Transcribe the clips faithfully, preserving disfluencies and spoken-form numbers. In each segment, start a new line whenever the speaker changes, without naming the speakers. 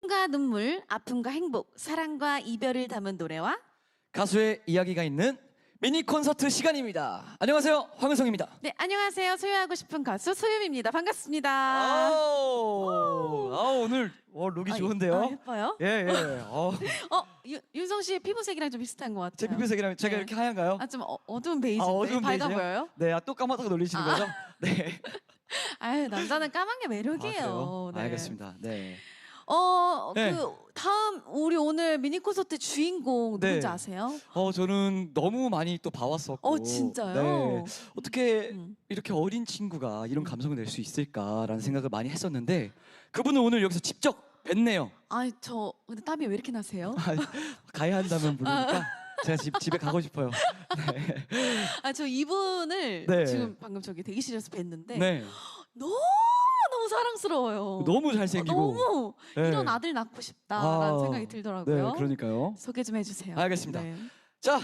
과 눈물, 아픔과 행복, 사랑과 이별을 담은 노래와
가수의 이야기가 있는 미니 콘서트 시간입니다. 안녕하세요, 황은성입니다.
네, 안녕하세요. 소유하고 싶은 가수 소유미입니다. 반갑습니다.
아우, 아우 오늘 어, 룩이
아,
좋은데요?
아, 예뻐요?
예, 예. 어,
어, 유, 윤성 씨의 피부색이랑 좀 비슷한 것 같아요.
제 피부색이랑 제가
네.
이렇게 하얀가요?
아, 좀 어, 어두운 베이지인데
아, 어두운
밝아
베이지요?
보여요?
네, 아, 또 까맣다고 놀리시는
아.
거죠? 네.
아유, 남자는 까만 게
아,
매력이에요.
그래요?
네.
알겠습니다. 네.
어,
네.
그 다음 우리 오늘 미니 콘서트 주인공
네.
누군지 아세요?
어, 저는 너무 많이 또 봐왔었고.
어, 진짜요?
네. 어떻게
음.
이렇게 어린 친구가 이런 감성을 낼 수 있을까라는 생각을 많이 했었는데 그분은 오늘 여기서 직접 뵀네요.
아이, 저 근데 땀이 왜 이렇게 나세요?
아, 가야 한다면 부르니까 제가 집, 집에 가고 싶어요. 네.
아, 저 이분을
네.
지금 방금 저기 대기실에서 뵀는데
네.
너무 너무 사랑스러워요.
너무 잘생기고.
어, 너무
네.
이런 아들 낳고 싶다라는
아,
생각이 들더라고요.
네, 그러니까요.
소개 좀 해주세요.
알겠습니다.
네.
자,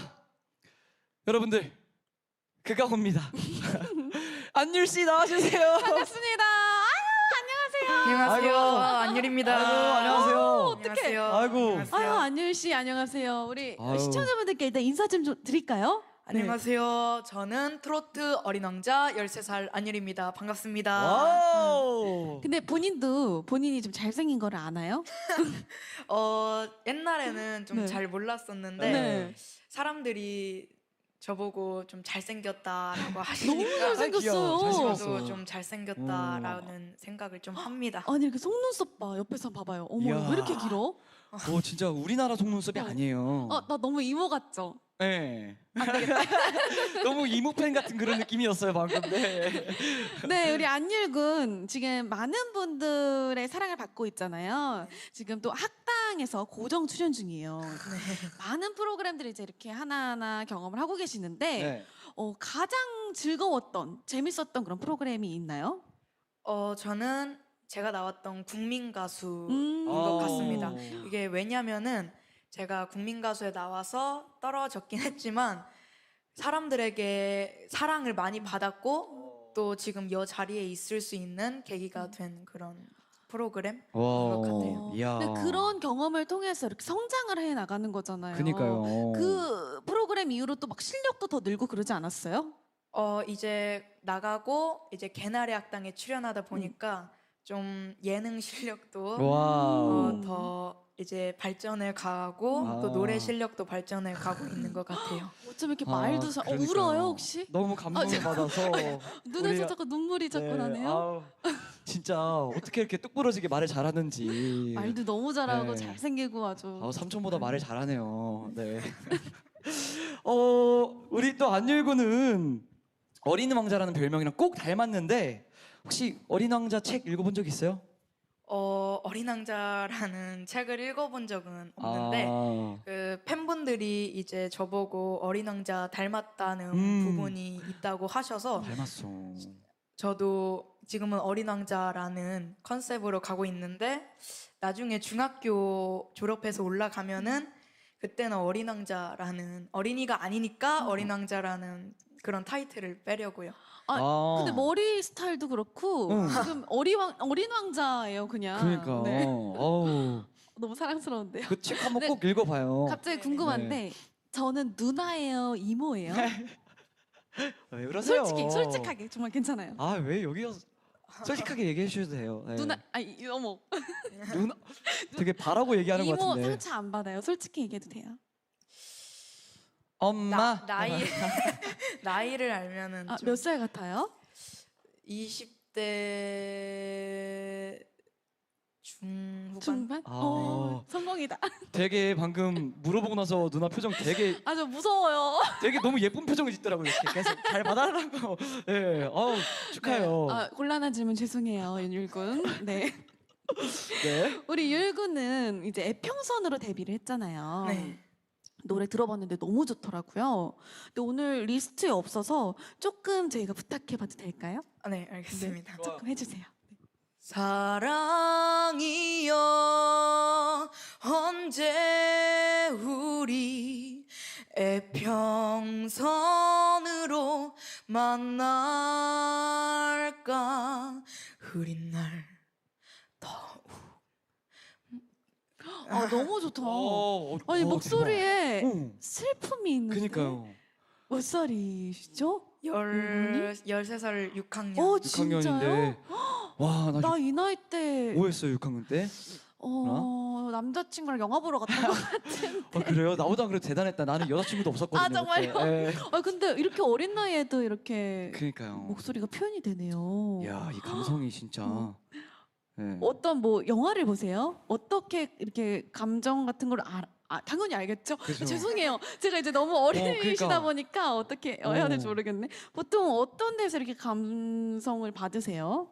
여러분들 그가 옵니다. 안율 씨 나와주세요.
반갑습니다. 아유,
안녕하세요.
아이고.
안율입니다.
아이고, 안녕하세요.
어떡해.
안녕하세요.
아이고.
안녕하세요.
아유, 안율 씨 안녕하세요. 우리
아유.
시청자분들께 일단 인사 좀, 좀 드릴까요?
안녕하세요. 저는 트로트 어린 왕자 열세 살 안율입니다. 반갑습니다.
와우.
근데 본인도 본인이 좀 잘생긴 거를 아나요?
어, 옛날에는 좀
네.
잘 몰랐었는데
네.
사람들이 저보고 좀 잘생겼다라고
너무
하시니까
귀여워.
잘생겼어요.
잘생겼어.
저도 좀 잘생겼다라는 생각을 좀 합니다.
아니 이렇게 속눈썹 봐. 옆에서 봐봐요. 어머
이야.
왜 이렇게 길어?
오, 진짜 우리나라 속눈썹이
어.
아니에요.
어, 나 너무 이모 같죠?
네. 너무 이모 팬 같은 그런 느낌이었어요 방금. 네.
네, 우리 안율군 지금 많은 분들의 사랑을 받고 있잖아요. 지금 또 학당에서 고정 출연 중이에요. 많은 프로그램들을 이제 이렇게 하나하나 경험을 하고 계시는데
네.
어, 가장 즐거웠던, 재밌었던 그런 프로그램이 있나요?
어, 저는 제가 나왔던 국민 가수인
음.
것
아.
같습니다. 이게 왜냐면은 제가 국민 가수에 나와서 떨어졌긴 했지만 사람들에게 사랑을 많이 받았고 또 지금 이 자리에 있을 수 있는 계기가 된 그런 프로그램인 것 같아요.
이야.
근데 그런 경험을 통해서 이렇게 성장을 해 나가는 거잖아요.
그니까요.
그 프로그램 이후로 또 막 실력도 더 늘고 그러지 않았어요?
어 이제 나가고 이제 개나리 학당에 출연하다 보니까 좀 예능 실력도
와우.
어, 더 이제 발전해 가고
아.
또 노래 실력도 발전해 가고 있는 것 같아요.
어쩜 이렇게
아,
말도 잘... 어,
그러니까요.
울어요 혹시?
너무 감동을
아, 저-
받아서
눈에서
우리-
자꾸 눈물이 자꾸
네,
나네요.
아우, 진짜 어떻게 이렇게 뚝부러지게 말을 잘하는지.
말도 너무 잘하고
네.
잘생기고 아주.
아, 삼촌보다 말을 잘하네요. 네. 어, 우리 또 안율구는 어린 왕자라는 별명이랑 꼭 닮았는데 혹시 어린 왕자 책 읽어본 적 있어요?
어, 어린 왕자라는 책을 읽어본 적은 없는데
아,
그 팬분들이 이제 저보고 어린 왕자 닮았다는
음.
부분이 있다고 하셔서
닮았어.
저도 지금은 어린 왕자라는 컨셉으로 가고 있는데 나중에 중학교 졸업해서 올라가면은 그때는 어린 왕자라는 어린이가 아니니까 어린 왕자라는 그런 타이틀을 빼려고요.
아, 근데 머리 스타일도 그렇고
응.
지금 어린 왕 어린 왕자예요 그냥.
그러니까.
네.
어우,
너무 사랑스러운데요.
그 책 한번
네.
꼭 읽어봐요.
갑자기
네.
궁금한데 저는 누나예요, 이모예요?
왜 그러세요?
솔직히 솔직하게 정말 괜찮아요.
아, 왜 여기서 솔직하게 얘기해 주셔도 돼요. 네.
누나, 아니 어머,
누나 되게 바라고 얘기하는 것
이모
같은데.
상처 안 받아요. 솔직히 얘기해도 돼요.
엄마.
나, 나이 나이를 알면은
아,
좀
몇 살 같아요?
이십 대 중후반.
중반?
아.
어, 성공이다.
되게 방금 물어보고 나서 누나 표정 되게
아, 저 무서워요.
되게 너무 예쁜 표정을 짓더라고요. 이렇게 계속 잘 봐달라고. 예, 네. 어우 축하해요.
아, 곤란한 질문 죄송해요, 윤율군. 네.
네.
우리 율군은 이제 애평선으로 데뷔를 했잖아요.
네.
노래 들어봤는데 너무 좋더라고요. 근데 오늘 리스트에 없어서 조금 저희가 부탁해봐도 될까요?
아, 네, 알겠습니다.
조금 해주세요.
사랑이여 언제 우리 애평선으로 만날까 흐린 날 더욱
아 너무 좋다.
어, 어,
아니
어,
목소리에
대박. 응.
슬픔이 있는데.
그니까요.
몇 살이시죠?
열 열세 살 육 학년.
어
육 학년인데. 와, 나
나 이 나이 때
뭐 했어요, 육 학년 때?
어, 남자친구랑 영화 보러 갔던 것 같은.
어, 그래요? 나보다 그래도 대단했다. 나는 여자친구도 없었거든요.
아, 정말요?
그때. 예.
아 근데 이렇게 어린 나이에도 이렇게
그니까요.
목소리가 표현이 되네요.
야, 이 감성이 진짜.
음.
예.
어떤 뭐 영화를 보세요? 어떻게 이렇게 감정 같은 걸 알, 아, 당연히 알겠죠?
그죠.
죄송해요. 제가 이제 너무 어리시다
그러니까.
보니까 어떻게 해야 될지
어.
모르겠네. 보통 어떤 데서 이렇게 감성을 받으세요?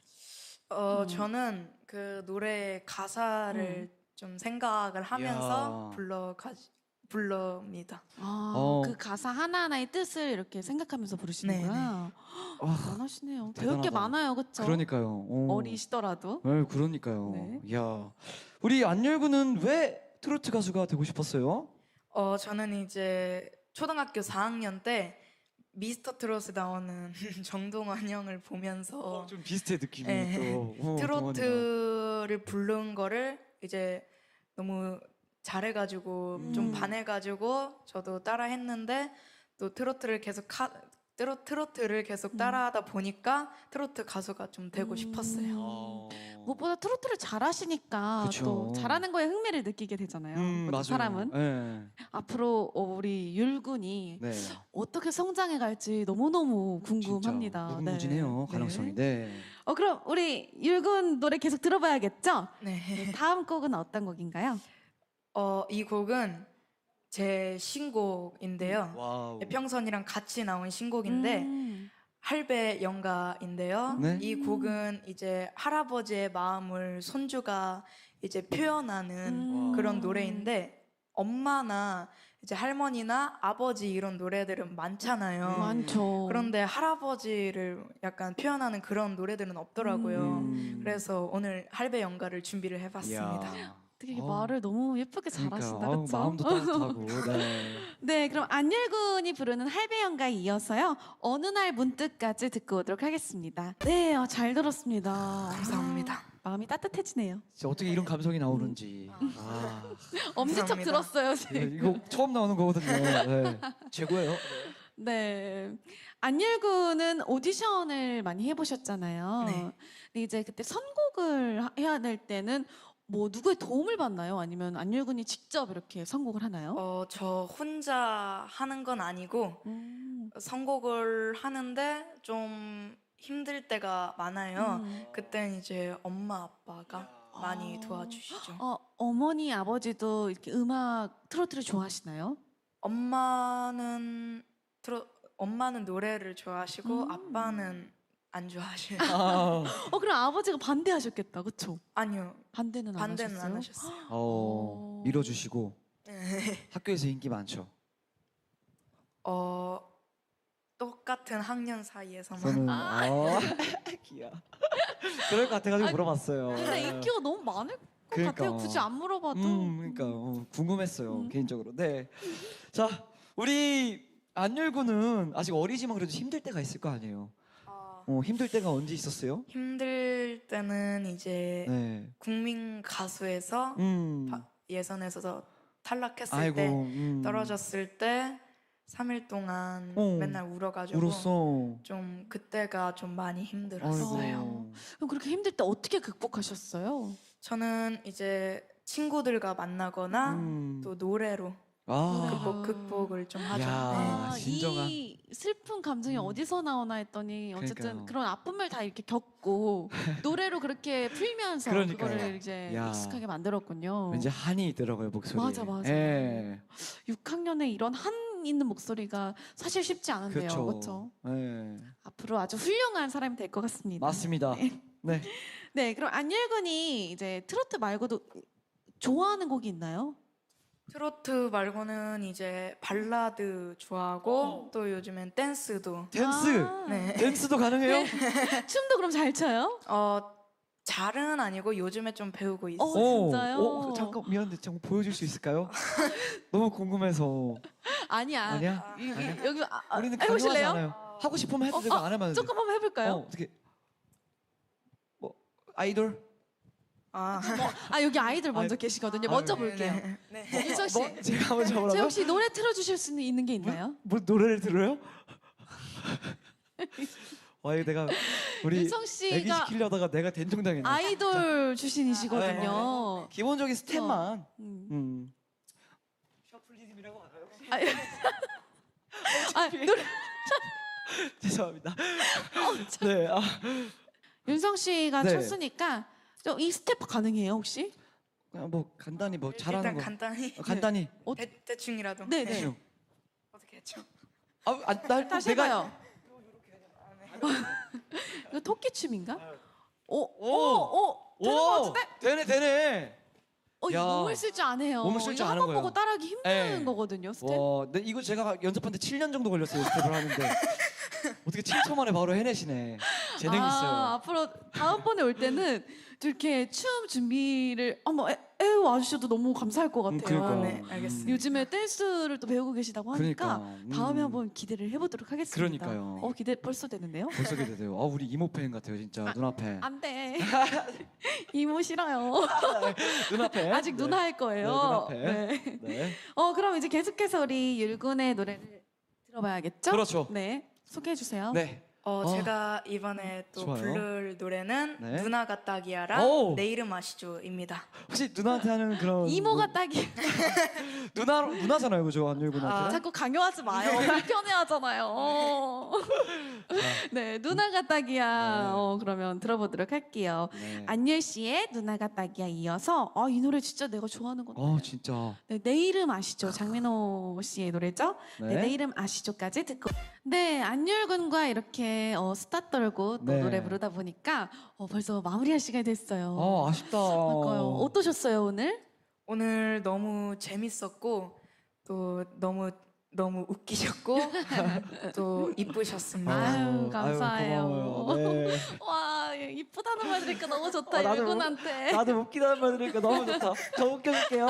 어
음.
저는 그 노래 가사를
음.
좀 생각을 하면서
이야.
불러 가 불러입니다.
아,
어.
그 가사 하나하나의 뜻을 이렇게 생각하면서 부르시는구나.
와,
대단하시네요. 배울 게
대단하다.
많아요, 그렇죠?
그러니까요. 어.
어리시더라도.
네, 그러니까요.
네.
야, 우리 안열구는 왜 트로트 가수가 되고 싶었어요?
어 저는 이제 초등학교 사 학년 때 미스터 트롯에 나오는 정동원 형을 보면서
좀 비슷해 느낌이
네.
또. 어, 동원이랑.
트로트를 부른 거를 이제 너무 잘해가지고
음.
좀 반해가지고 저도 따라했는데 또 트로트를 계속 하, 트로, 트로트를 계속
음.
따라하다 보니까 트로트 가수가 좀 되고
음.
싶었어요.
어.
무엇보다 트로트를 잘하시니까
그쵸.
또 잘하는 거에 흥미를 느끼게 되잖아요.
음,
모든
맞아요.
사람은.
네.
앞으로 어, 우리 율군이
네.
어떻게 성장해 갈지 너무너무 궁금합니다.
진짜 무궁무진해요.
네.
가능성이.
네.
네.
어, 그럼 우리 율군 노래 계속 들어봐야겠죠?
네.
네, 다음 곡은 어떤 곡인가요?
어, 이 곡은 제 신곡인데요.
와우.
평선이랑 같이 나온 신곡인데
음.
할배 연가인데요.
네.
이 곡은 이제 할아버지의 마음을 손주가 이제 표현하는
음.
그런 노래인데 엄마나 이제 할머니나 아버지 이런 노래들은 많잖아요.
음.
많죠.
그런데 할아버지를 약간 표현하는 그런 노래들은 없더라고요.
음.
그래서 오늘 할배 연가를 준비를 해봤습니다.
이야.
되게
어우,
말을 너무 예쁘게
그러니까,
잘하신다,
아우,
그렇죠?
마음도 따뜻하고. 네.
네, 그럼 안율군이 부르는 할배연가에 이어서요. 어느 날 문득까지 듣고 오도록 하겠습니다. 네, 어, 잘 들었습니다.
감사합니다.
아, 마음이 따뜻해지네요.
진짜 어떻게 이런 감성이 나오는지. 아.
엄지척
감사합니다.
들었어요,
네,
지금.
이거 처음 나오는 거거든요. 네. 최고예요.
네. 안율군은 오디션을 많이 해보셨잖아요.
네.
근데 이제 그때 선곡을 하- 해야 될 때는 뭐 누구의 도움을 받나요? 아니면 안율군이 직접 이렇게 선곡을 하나요?
어, 저 혼자 하는 건 아니고
음.
선곡을 하는데 좀 힘들 때가 많아요.
음.
그땐 이제 엄마 아빠가 많이
아.
도와주시죠.
어, 어머니, 아버지도 이렇게 음악 트로트를 좋아하시나요?
엄마는 트로, 엄마는 노래를 좋아하시고
음.
아빠는 안 좋아하셔요.
아.
어, 그럼 아버지가 반대하셨겠다, 그렇죠?
아니요,
반대는 안
반대는
하셨어요?
안 하셨어요.
어,
어.
밀어주시고
네.
학교에서 인기 많죠.
어, 똑같은 학년 사이에서만.
저는 아, 귀여. 그럴 것 같아가지고
아,
물어봤어요.
근데 인기가 너무 많을 것
그러니까.
같아요. 굳이 안 물어봐도.
음, 그러니까 어, 궁금했어요
음.
개인적으로. 네, 자 우리 안열구는 아직 어리지만 그래도 힘들 때가 있을 거 아니에요.
어,
어, 힘들 때가 언제 있었어요?
힘들 때는 이제
네.
국민 가수에서
음.
바- 예선에서 탈락했을
아이고.
때
음.
떨어졌을 때 삼 일 동안
어.
맨날 울어가지고
울었어.
좀 그때가 좀 많이 힘들었어요.
아이고.
그럼 그렇게 힘들 때 어떻게 극복하셨어요?
저는 이제 친구들과 만나거나
음.
또 노래로
아.
극복, 극복을 좀 하죠.
야.
네.
아,
진정한.
이 슬픈 감정이
음.
어디서 나오나 했더니 어쨌든
그러니까요.
그런 아픔을 다 이렇게 겪고 노래로 그렇게 풀면서
그러니까요.
그거를 이제
야.
익숙하게 만들었군요.
왠지 한이 있더라고요 목소리에.
맞아, 맞아.
예.
육 학년에 이런 한 있는 목소리가 사실 쉽지 않은데요.
그렇죠.
그렇죠?
예.
앞으로 아주 훌륭한 사람이 될 것 같습니다.
맞습니다.
네.
네.
네, 그럼 안율군이 이제 트로트 말고도 좋아하는 곡이 있나요?
트로트 말고는 이제 발라드 좋아하고 또 요즘엔 댄스도
댄스.
아,
네.
댄스도 가능해요?
춤도 그럼 잘 춰요?
어 잘은 아니고 요즘에 좀 배우고 있어요.
어, 진짜요?
어, 잠깐 미안한데 잠깐 보여줄 수 있을까요? 너무 궁금해서.
아니야.
아니야?
이- 이-
아니야?
여기 아, 아,
우리는
해보실래요?
강요하지 않아요. 하고 싶으면 해도
어,
되고
어,
안 하면 안 돼.
조금 한번 해볼까요?
어, 어떻게? 뭐 아이돌?
아,
아 여기 아이들 먼저
아이,
계시거든요. 먼저
아유.
볼게요.
네. 네.
윤성 씨,
뭐, 제가 한번
제
잡으라고요?
혹시 노래 틀어주실 수 있는 게 있나요?
뭐 노래를 들어요? 와 이거 내가 우리
윤성
애기
씨가
시키려다가 내가 된통당했네.
아이돌 출신이시거든요.
기본적인 스텝만.
음.
음.
아, 아, 노래
죄송합니다. 네. 아,
윤성 씨가
네.
췄으니까 저 이 스텝 가능해요 혹시?
그냥 뭐 간단히 뭐 잘하는
일단
거.
간단히
어, 간단히.
어,
대, 대충이라도.
네, 네.
대충.
어떻게 했죠?
아, 아, 나
다시
내가
해봐요. 이거 토끼 춤인가? 오, 오, 오, 되는 것
오,
같은데?
되네 되네.
어, 이거
야.
몸을 쓸 줄 아네요.
몸을 쓸줄
이거
아는
한번
거예요.
보고 따라하기 힘든
네.
거거든요. 스텝.
와, 근데 이거 제가 연습하는데 칠 년 정도 걸렸어요 스텝을 하는데 어떻게 칠 초 만에 바로 해내시네. 재능
아,
있어요.
앞으로 다음번에 올 때는 좀 이렇게 춤 준비를 한번 애, 애 와주셔도 너무 감사할 것
음,
같아요.
그러니까.
네, 알겠습니다.
요즘에 댄스를 또 배우고 계시다고 하니까
그러니까. 음.
다음에 한번 기대를 해보도록 하겠습니다.
그러니까요.
어 기대 벌써 되는데요?
벌써 기대돼요. 아 우리 이모 팬 같아요 진짜 눈앞에.
안 돼. 이모 싫어요.
눈앞에.
아직 누나 할 거예요.
네, 눈앞에.
네.
네.
어 그럼 이제 계속해서 우리 율군의 노래를 들어봐야겠죠?
그렇죠.
네. 소개해 주세요.
네.
어,
어.
제가 이번에 또
좋아요.
부를 노래는
네.
누나가 딱이야랑
오.
내 이름 아시죠입니다.
혹시 누나한테 하는 그런
이모가
뭐-
딱이.
누나 누나잖아요, 그죠? 안율군한테.
아,
자꾸 강요하지 마요. 불편해하잖아요. 네, 누나가 딱이야.
네.
어, 그러면 들어보도록 할게요.
네.
안열 씨의 누나가 딱이야 이어서 아, 이 노래 진짜 내가 좋아하는 건데.
어 진짜.
네, 내 이름 아시죠? 장민호 씨의 노래죠? 네,
네.
내 이름 아시죠까지 듣고. 네, 안율군과 이렇게 어, 수다 떨고 또
네.
노래 부르다 보니까 어, 벌써 마무리할 시간이 됐어요.
아 아쉽다.
그러니까요. 어떠셨어요 오늘?
오늘 너무 재밌었고 또 너무 너무 웃기셨고 또 이쁘셨습니다.
아유, 감사해요.
고마워요. 네.
와, 이쁘다는 말 들으니까 너무 좋다.
어, 나도
율군한테.
나도 웃기다는 말 들으니까 너무 좋다. 저 웃겨줄게요.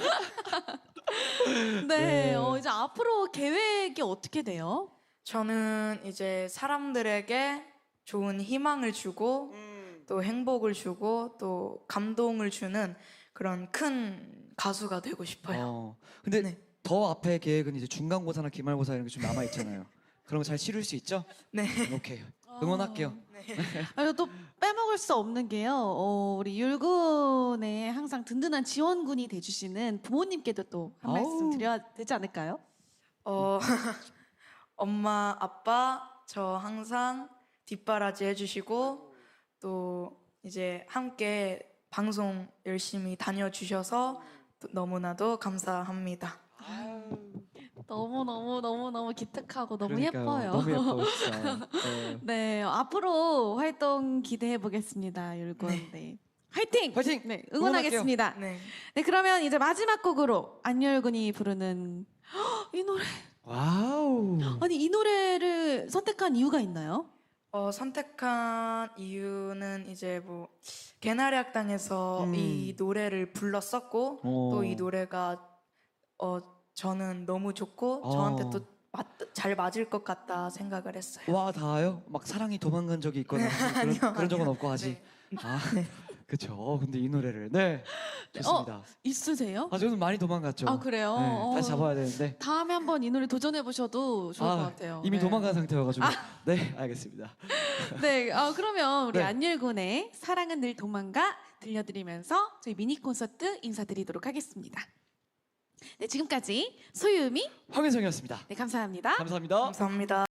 네,
네.
어, 이제 앞으로 계획이 어떻게 돼요?
저는 이제 사람들에게 좋은 희망을 주고
음.
또 행복을 주고 또 감동을 주는 그런 큰 가수가 되고 싶어요.
어. 근데
네.
더 앞에 계획은 이제 중간고사나 기말고사 이런 게 좀 남아 있잖아요. 그런 거 잘 치룰 수 있죠?
네.
오케이. 응원할게요.
아, 또 빼먹을 수 없는 게요. 어, 우리 율군에 항상 든든한 지원군이 돼주시는 부모님께도 또 한 말씀
아우.
드려야 되지 않을까요?
어, 엄마, 아빠 저 항상 뒷바라지 해주시고 또 이제 함께 방송 열심히 다녀주셔서 또 너무나도 감사합니다.
너무 너무 너무 너무 기특하고 너무
그러니까요.
예뻐요.
너무 예뻐요, 진짜. 네.
네, 앞으로 활동 기대해 보겠습니다, 율군. 네. 화이팅!
화이팅!
네, 응원하겠습니다.
네.
네, 그러면 이제 마지막 곡으로 안열군이 부르는 헉, 이 노래.
와우.
아니 이 노래를 선택한 이유가 있나요?
어, 선택한 이유는 이제 뭐 개나리 학당에서
음.
이 노래를 불렀었고
어.
또 이 노래가 어 저는 너무 좋고
어.
저한테 또 잘 맞을 것 같다 생각을 했어요.
와 닿아요? 막 사랑이 도망간 적이 있거나 그런,
아니요,
그런 적은
아니요.
없고 아직.
네.
아, 그렇죠. 어, 근데 이 노래를 네 좋습니다.
있으세요?
아 저는 많이 도망갔죠.
아 그래요?
네,
어,
다시 잡아야 되는데
다음에 한번 이 노래 도전해 보셔도 좋을
아,
것 같아요.
이미
네.
도망간 상태여가지고. 네 알겠습니다.
네, 아, 그러면 우리
네.
안율군의 사랑은 늘 도망가 들려드리면서 저희 미니 콘서트 인사드리도록 하겠습니다. 네, 지금까지 소유미,
황윤성이었습니다.
네, 감사합니다.
감사합니다.
감사합니다.